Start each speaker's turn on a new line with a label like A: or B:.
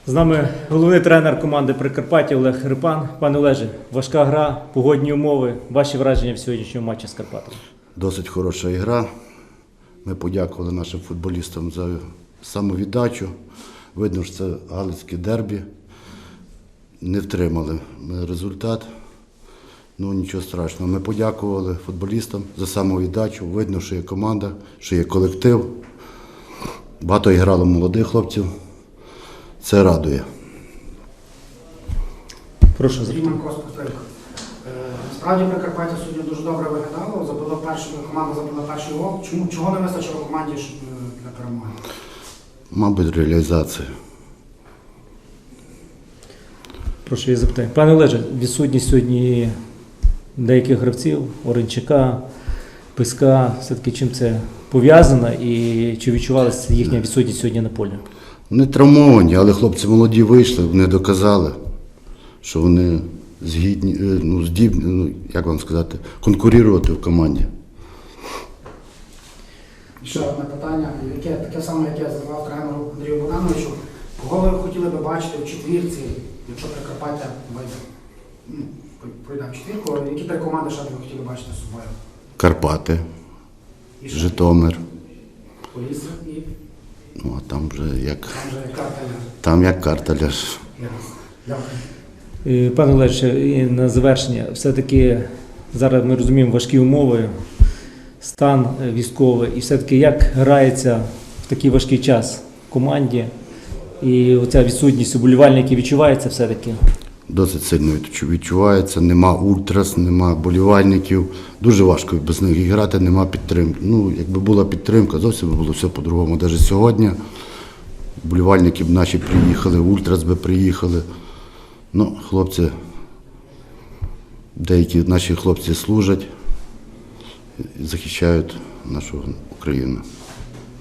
A: З нами головний тренер команди Прикарпаття Олег Рипан. Пане Олеже, важка гра, погодні умови. Ваші враження в сьогоднішньому матчі з Карпатами?
B: Досить хороша гра. Ми подякували нашим футболістам за самовіддачу. Видно, що це галицьке дербі. Не втримали ми результат. Ну, нічого страшного. Ми подякували футболістам за самовіддачу. Видно, що є команда, що є колектив. Багато грало молодих хлопців. Це радує.
A: Прошу запитати.
C: Насправді Прикарпаття сьогодні дуже добре виглядало. Команда забила перший гол. Чого не вистачило команді для перемоги?
B: Мабуть, реалізація.
A: Прошу я запитаю. Пане Олеже, відсутність сьогодні деяких гравців, Оренчака, Писка, все-таки чим це пов'язано і чи відчувалася їхня відсутність сьогодні на полі?
B: Вони травмовані, але хлопці молоді вийшли, вони доказали, що вони здібні, як вам сказати, конкурувати в команді.
C: Ще одне питання, таке саме, яке я задавав тренеру Андрію Богдановичу. Кого ви хотіли би бачити в четвірці, якщо Прикарпаття пройде в четвірку? Які три команди ще б ви хотіли бачити з собою?
B: Карпати,
C: І ще?
B: Житомир.
C: Полісся і?
B: Ну, а там вже як...
C: Там же карта ляж.
B: Там як карта ляж.
C: Дякую.
A: Пане Олеже, і на завершення, все-таки зараз ми розуміємо важкі умови, стан військовий, і все-таки як грається в такий важкий час в команді, і оця відсутність уболівальників відчувається все-таки?
B: Досить сильно відчувається, нема ультрас, нема болівальників. Дуже важко без них грати, нема підтримки. Ну, якби була підтримка, зовсім би було все по-другому. Навіть сьогодні болівальники б наші приїхали, ультрас би приїхали. Ну, хлопці, деякі наші хлопці служать і захищають нашу Україну.